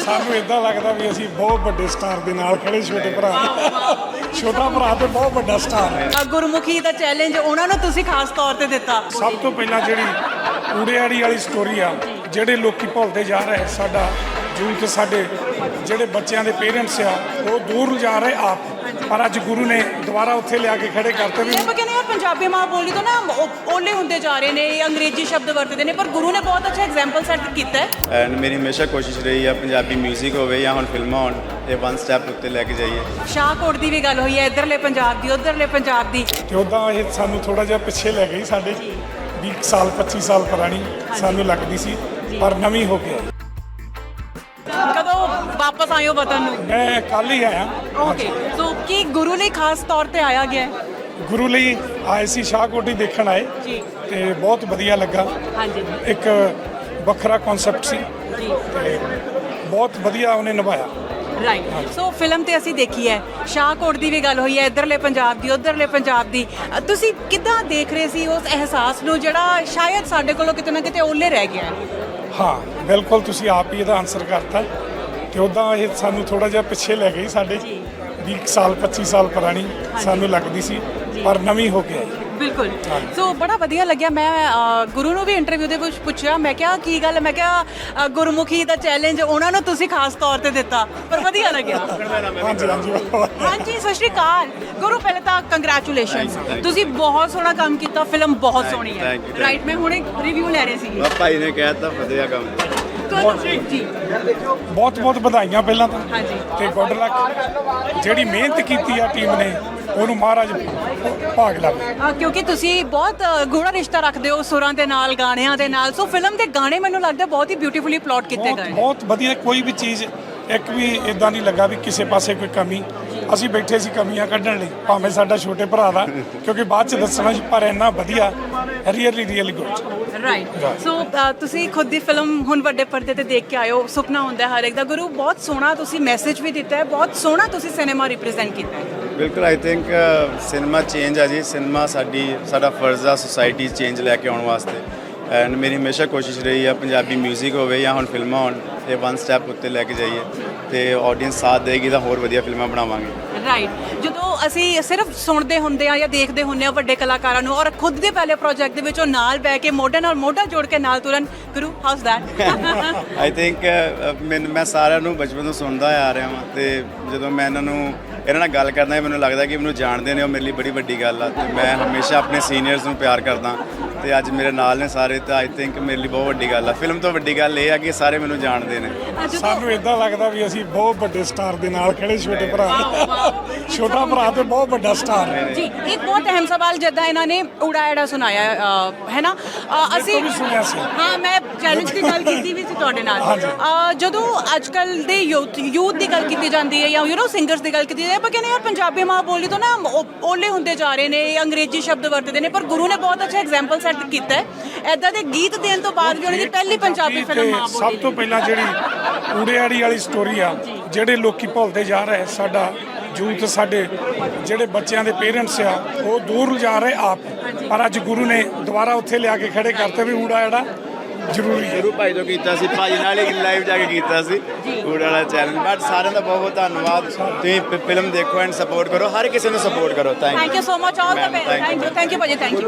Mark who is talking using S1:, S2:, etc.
S1: ਸਾਨੂੰ ਇਦਾਂ ਲੱਗਦਾ ਵੀ ਅਸੀਂ ਬਹੁਤ ਵੱਡੇ ਸਟਾਰ ਦੇ ਨਾਲ ਖੜੇ, ਛੋਟੇ ਭਰਾ ਛੋਟਾ ਭਰਾ ਤੇ ਬਹੁਤ ਵੱਡਾ ਸਟਾਰ ਹੈ।
S2: ਗੁਰਮੁਖੀ ਦਾ ਚੈਲੰਜ ਉਹਨਾਂ ਨੂੰ ਤੁਸੀਂ ਖਾਸ ਤੌਰ ਤੇ ਦਿੱਤਾ।
S1: ਸਭ ਤੋਂ ਪਹਿਲਾਂ ਜਿਹੜੀ ਊੜੇਆੜੀ ਵਾਲੀ ਸਟੋਰੀ ਆ, ਜਿਹੜੇ ਲੋਕੀ ਭੁੱਲਦੇ ਜਾ ਰਹੇ, ਸਾਡਾ ਯੂਥ, ਸਾਡੇ ਜਿਹੜੇ ਬੱਚਿਆਂ ਦੇ ਪੇਰੈਂਟਸ ਆ ਉਹ ਦੂਰ ਜਾ ਰਹੇ ਆਪ, ਪਰ ਅੱਜ ਗੁਰੂ ਨੇ ਦੁਬਾਰਾ ਉੱਥੇ ਲਿਆ ਕੇ ਖੜੇ ਕਰਤੇ ਵੀ
S2: ਆਪਾਂ ਕਹਿੰਦੇ ਆ ਪੰਜਾਬੀ ਮਾਂ ਬੋਲੀ ਤੋਂ ਨਾ ਓਲੇ ਹੁੰਦੇ ਜਾ ਰਹੇ ਨੇ, ਅੰਗਰੇਜ਼ੀ ਸ਼ਬਦ ਵਰਤਦੇ ਨੇ, ਪਰ ਗੁਰੂ ਨੇ ਬਹੁਤ ਅੱਛਾ ਐਗਜ਼ਾਮਪਲ ਸੈੱਟ ਕੀਤਾ ਹੈ।
S3: ਐਂਡ ਮੇਰੀ ਹਮੇਸ਼ਾ ਕੋਸ਼ਿਸ਼ ਰਹੀ ਹੈ ਪੰਜਾਬੀ 뮤직 ਹੋਵੇ ਜਾਂ ਹੁਣ ਫਿਲਮਾਂ ਹੋਣ, ਇਹ ਵਨ ਸਟੈਪ ਉੱਤੇ ਲੈ ਕੇ ਜਾਈਏ।
S2: ਸ਼ਾਹਕੋਟ ਦੀ ਵੀ ਗੱਲ ਹੋਈ ਹੈ, ਇੱਧਰਲੇ ਪੰਜਾਬ ਦੀ, ਉੱਧਰਲੇ ਪੰਜਾਬ ਦੀ,
S1: ਤੇ ਉੱਦਾਂ ਇਹ ਸਾਨੂੰ ਥੋੜਾ ਜਿਹਾ ਪਿੱਛੇ ਲੈ ਗਈ, ਸਾਡੇ 20 ਸਾਲ 25 ਸਾਲ ਪੁਰਾਣੀ ਸਾਨੂੰ ਲੱਗਦੀ ਸੀ, ਪਰ ਨਵੀਂ ਹੋ ਗਿਆ।
S2: ਕਦੋਂ ਵਾਪਸ ਆਏ ਹੋ ਵਤਨ ਨੂੰ?
S1: ਮੈਂ ਕੱਲ ਹੀ ਆਇਆ।
S2: ਓਕੇ, ਸੋ ਕੀ ਗੁਰੂ ਲਈ ਖਾਸ ਤੌਰ ਤੇ ਆਇਆ ਗਿਆ ਹੈ?
S1: ਗੁਰੂ ਲਈ ਆਏ ਸੀ, ਸ਼ਾਹਕੋਟ ਹੀ ਦੇਖਣ ਆਏ
S2: ਜੀ
S1: ਤੇ ਬਹੁਤ ਵਧੀਆ ਲੱਗਾ।
S2: ਹਾਂਜੀ
S1: ਇੱਕ ਵੱਖਰਾ ਕਨਸੈਪਟ ਸੀ
S2: ਜੀ,
S1: ਤੇ ਬਹੁਤ ਵਧੀਆ ਉਹਨੇ ਨਿਭਾਇਆ।
S2: ਰਾਈਟ। ਸੋ ਫਿਲਮ ਤੇ ਅਸੀਂ ਦੇਖੀ ਹੈ, ਸ਼ਾਹਕੋਟ ਦੀ ਵੀ ਗੱਲ ਹੋਈ ਹੈ, ਇੱਧਰਲੇ ਪੰਜਾਬ ਦੀ, ਉੱਧਰਲੇ ਪੰਜਾਬ ਦੀ। ਤੁਸੀਂ ਕਿੱਦਾਂ ਦੇਖ ਰਹੇ ਸੀ ਉਸ ਅਹਿਸਾਸ ਨੂੰ ਜਿਹੜਾ ਸ਼ਾਇਦ ਸਾਡੇ ਕੋਲੋਂ ਕਿਤੇ ਨਾ ਕਿਤੇ ਓਲੇ ਰਹਿ ਗਿਆ ਹੈ?
S1: ਹਾਂ ਬਿਲਕੁਲ, ਤੁਸੀਂ ਆਪ ਹੀ ਇਹਦਾ ਆਨਸਰ ਕਰਤਾ। ਤੇ ਉੱਦਾਂ ਇਹ ਸਾਨੂੰ ਥੋੜਾ ਜਿਹਾ ਪਿੱਛੇ ਲੈ ਗਈ, ਸਾਡੇ 20 ਸਾਲ 25 ਸਾਲ ਪੁਰਾਣੀ ਸਾਨੂੰ ਲੱਗਦੀ ਸੀ, ਪਰ ਨਵੀਂ ਹੋ ਗਿਆ।
S2: ਬਿਲਕੁਲ। ਸੋ ਬੜਾ ਵਧੀਆ ਲੱਗਿਆ। ਮੈਂ ਗੁਰੂ ਨੂੰ ਵੀ ਇੰਟਰਵਿਊ ਦੇ ਵਿੱਚ ਪੁੱਛਿਆ, ਮੈਂ ਕਿਹਾ ਕੀ ਗੱਲ, ਮੈਂ ਕਿਹਾ ਗੁਰਮੁਖੀ ਦਾ ਚੈਲੰਜ ਉਹਨਾਂ ਨੂੰ ਤੁਸੀਂ ਖਾਸ ਤੌਰ ਤੇ ਦਿੱਤਾ, ਪਰ ਵਧੀਆ ਲੱਗਿਆ।
S1: ਹਾਂਜੀ ਹਾਂਜੀ
S2: ਹਾਂਜੀ, ਸਤਿ ਸ਼੍ਰੀ ਅਕਾਲ ਗੁਰੂ। ਪਹਿਲੇ ਤਾਂ ਕੰਗ੍ਰੈਚੁਲੇਸ਼ਨਸ, ਤੁਸੀਂ ਬਹੁਤ ਸੋਹਣਾ ਕੰਮ ਕੀਤਾ, ਫਿਲਮ ਬਹੁਤ ਸੋਹਣੀ ਹੈ। ਰਾਈਟ, ਮੈਂ ਹੁਣੇ ਰਿਵਿਊ ਲੈ ਰਹੀ ਸੀ।
S3: ਭਾਈ ਨੇ ਕਹਿਤਾ ਵਧੀਆ ਕੰਮ।
S2: ਜੀ
S1: ਬਹੁਤ ਬਹੁਤ ਵਧਾਈਆਂ ਪਹਿਲਾਂ ਤਾਂ,
S2: ਹਾਂਜੀ।
S1: ਤੇ ਗੁੱਡ ਲੱਕ। ਜਿਹੜੀ ਮਿਹਨਤ ਕੀਤੀ ਆ ਟੀਮ ਨੇ, ਉਹਨੂੰ ਮਹਾਰਾਜ ਭਾਗ ਲਾਵੇ।
S2: ਕਿਉਂਕਿ ਤੁਸੀਂ ਬਹੁਤ ਗੂੜਾ ਰਿਸ਼ਤਾ ਰੱਖਦੇ ਹੋ ਸੁਰਾਂ ਦੇ ਨਾਲ, ਗਾਣਿਆਂ ਦੇ ਨਾਲ। ਸੋ ਫਿਲਮ ਦੇ ਗਾਣੇ ਮੈਨੂੰ ਲੱਗਦਾ ਬਹੁਤ ਹੀ ਬਿਊਟੀਫੁਲੀ ਪਲਾਟ ਕੀਤੇ
S1: ਬਹੁਤ
S2: ਗਏ।
S1: ਬਹੁਤ ਵਧੀਆ, ਕੋਈ ਵੀ ਚੀਜ਼ ਇੱਕ ਵੀ ਇਦਾਂ ਨਹੀਂ ਲੱਗਾ ਵੀ ਕਿਸੇ ਪਾਸੇ ਕੋਈ ਕਮੀ। ਅਸੀਂ ਬੈਠੇ ਸੀ ਕਮੀਆਂ ਕੱਢਣ ਲਈ, ਭਾਵੇਂ ਸਾਡਾ ਛੋਟੇ ਭਰਾ ਦਾ, ਕਿਉਂਕਿ ਬਾਅਦ ਚ ਦੱਸਣਾ ਸੀ, ਪਰ ਇੰਨਾ ਵਧੀਆ, ਰੀਅਲੀ ਗੁੱਡ।
S2: ਰਾਈਟ। ਸੋ ਤੁਸੀਂ ਖੁਦ ਦੀ ਫਿਲਮ ਹੁਣ ਵੱਡੇ ਪਰਦੇ ਤੇ ਦੇਖ ਕੇ ਆਏ ਹੋ, ਸੁਪਨਾ ਹੁੰਦਾ ਹਰ ਇੱਕ ਦਾ। ਗੁਰੂ, ਬਹੁਤ ਸੋਹਣਾ ਤੁਸੀਂ ਮੈਸੇਜ ਵੀ ਦਿੱਤਾ ਹੈ, ਬਹੁਤ ਸੋਹਣਾ ਤੁਸੀਂ ਸਿਨੇਮਾ ਰਿਪਰੈਜ਼ੈਂਟ ਕੀਤਾ ਹੈ।
S3: ਬਿਲਕੁਲ, ਆਈ ਥਿੰਕ ਸਿਨੇਮਾ ਚੇਂਜ ਆ ਜੀ। ਸਿਨੇਮਾ ਸਾਡਾ ਫਰਜ਼ ਆ ਸੋਸਾਇਟੀ ਚੇਂਜ ਲੈ ਕੇ ਆਉਣ ਵਾਸਤੇ। ਐਂਡ ਮੇਰੀ ਹਮੇਸ਼ਾ ਕੋਸ਼ਿਸ਼ ਰਹੀ ਹੈ ਪੰਜਾਬੀ 뮤직 ਹੋਵੇ ਜਾਂ ਹੁਣ ਫਿਲਮਾਂ ਹੋਣ, ਇਹ ਵਨ ਸਟੈਪ ਉੱਤੇ ਲੈ ਕੇ ਜਾਈਏ, ਤੇ ਆਡੀਅנס ਸਾਥ ਦੇਗੀ ਤਾਂ ਹੋਰ ਵਧੀਆ ਫਿਲਮਾਂ ਬਣਾਵਾਂਗੇ।
S2: ਰਾਈਟ। ਜਦੋਂ ਅਸੀਂ ਸਿਰਫ ਸੁਣਦੇ ਹੁੰਦੇ ਆ ਜਾਂ ਦੇਖਦੇ ਹੁੰਦੇ ਆ ਵੱਡੇ ਕਲਾਕਾਰਾਂ ਨੂੰ, ਔਰ ਖੁਦ ਦੇ ਪਹਿਲੇ ਪ੍ਰੋਜੈਕਟ ਦੇ ਵਿੱਚ ਉਹ ਨਾਲ ਬਹਿ ਕੇ ਮੋਢੇ ਨਾਲ ਮੋਢਾ ਜੋੜ ਕੇ ਨਾਲ ਤੁਰਨ, ਗੁਰੂ ਹਾਊਸ ਦੈਟ?
S3: ਆਈ ਥਿੰਕ ਮੈਂ ਸਾਰਿਆਂ ਨੂੰ ਬਚਪਨ ਤੋਂ ਸੁਣਦਾ ਆ ਰਿਹਾ ਹਾਂ, ਤੇ ਜਦੋਂ ਮੈਂ ਇਹਨਾਂ ਨਾਲ ਗੱਲ ਕਰਦਾ, ਮੈਨੂੰ ਲੱਗਦਾ ਕਿ ਮੈਨੂੰ ਜਾਣਦੇ ਨੇ, ਉਹ ਮੇਰੇ ਲਈ ਬੜੀ ਵੱਡੀ ਗੱਲ ਆ। ਤੇ ਮੈਂ ਹਮੇਸ਼ਾ ਆਪਣੇ ਸੀਨੀਅਰਸ ਨੂੰ ਪਿਆਰ ਕਰਦਾ, ਤੇ ਅੱਜ ਮੇਰੇ ਨਾਲ ਨੇ ਸਾਰੇ, ਤਾਂ ਆਈ ਥਿੰਕ ਮੇਰੇ ਲਈ ਬਹੁਤ ਵੱਡੀ ਗੱਲ ਆ। ਫਿਲਮ ਤੋਂ ਵੱਡੀ ਗੱਲ ਇਹ ਆ ਕਿ ਸਾਰੇ ਮੈਨੂੰ ਜਾਣਦੇ ਨੇ।
S1: ਸਾਨੂੰ ਇਦਾਂ ਲੱਗਦਾ ਵੀ ਅਸੀਂ ਬਹੁਤ ਵੱਡੇ ਸਟਾਰ ਦੇ ਨਾਲ ਖੜੇ, ਛੋਟੇ ਭਰਾ ਛੋਟਾ ਭਰਾ ਤੇ ਬਹੁਤ ਵੱਡਾ ਸਟਾਰ ਹੈ
S2: ਜੀ। ਇੱਕ ਬਹੁਤ ਅਹਿਮ ਸਵਾਲ, ਜਿੱਦਾਂ ਇਹਨਾਂ ਨੇ ਉੜਾਇੜਾ ਸੁਣਾਇਆ ਹੈ ਨਾ, ਅਸੀਂ ਹਾਂ, ਮੈਂ ਚੈਲੰਜ ਦੀ ਗੱਲ ਕੀਤੀ ਵੀ ਸੀ ਤੁਹਾਡੇ ਨਾਲ। ਜਦੋਂ ਅੱਜ ਕੱਲ ਦੇ ਯੂਥ ਦੀ ਗੱਲ ਕੀਤੀ ਜਾਂਦੀ ਹੈ, ਜਾਂ ਸਿੰਗਰਸ ਦੀ ਗੱਲ ਕੀਤੀ ਜਾਂਦੀ ਹੈ, ਆਪਾਂ ਕਹਿੰਦੇ ਆ ਪੰਜਾਬੀ ਮਾਂ ਬੋਲੀ ਤੋਂ ਨਾ ਓਲੇ ਹੁੰਦੇ ਜਾ ਰਹੇ ਨੇ, ਅੰਗਰੇਜ਼ੀ ਸ਼ਬਦ ਵਰਤਦੇ ਨੇ, ਪਰ ਗੁਰੂ ਨੇ ਬਹੁਤ ਅੱਛਾ ਐਗਜ਼ਾਮਪਲ ਸੈੱਟ ਕੀਤਾ ਹੈ। ਏਦਾਂ ਦੇ ਗੀਤ ਦੇਣ ਤੋਂ ਬਾਅਦ ਵੀ ਉਹਨਾਂ ਦੀ ਪਹਿਲੀ ਪੰਜਾਬੀ ਫਿਲਮ ਮਾਂ ਬੋਲੀ।
S1: ਸਭ ਤੋਂ ਪਹਿਲਾਂ ਜਿਹੜੀ ਊੜੇਆੜੀ ਵਾਲੀ ਸਟੋਰੀ ਆ, ਜਿਹੜੇ ਲੋਕੀ ਭੁੱਲਦੇ ਜਾ ਰਹੇ, ਸਾਡਾ ਯੂਥ, ਸਾਡੇ ਜਿਹੜੇ ਬੱਚਿਆਂ ਦੇ ਪੇਰੈਂਟਸ ਆ ਉਹ ਦੂਰ ਜਾ ਰਹੇ ਆਪ, ਪਰ ਅੱਜ ਗੁਰੂ ਨੇ ਦੁਬਾਰਾ ਉੱਥੇ ਲਿਆ ਕੇ ਖੜੇ ਕਰਤੇ ਵੀ ਊੜਾ ਜਿਹੜਾ ਜ਼ਰੂਰੀ ਹੈ।
S3: ਗੁਰੂ ਭਾਈ ਤੋਂ ਕੀਤਾ ਸੀ, ਭਾਈ ਨਾਲ ਹੀ ਲਾਈਵ ਜਾ ਕੇ ਕੀਤਾ ਸੀ ਊੜਾ ਵਾਲਾ ਚੈਲੰਜ। ਬਟ ਸਾਰਿਆਂ ਦਾ ਬਹੁਤ ਬਹੁਤ ਧੰਨਵਾਦ। ਤੁਸੀਂ ਫਿਲਮ ਦੇਖੋ ਐਂਡ ਸਪੋਰਟ ਕਰੋ, ਹਰ ਕਿਸੇ ਨੂੰ ਸਪੋਰਟ ਕਰੋ।
S2: Thank you so much, all the best. Thank you ਭਾਜੀ, ਥੈਂਕ ਯੂ।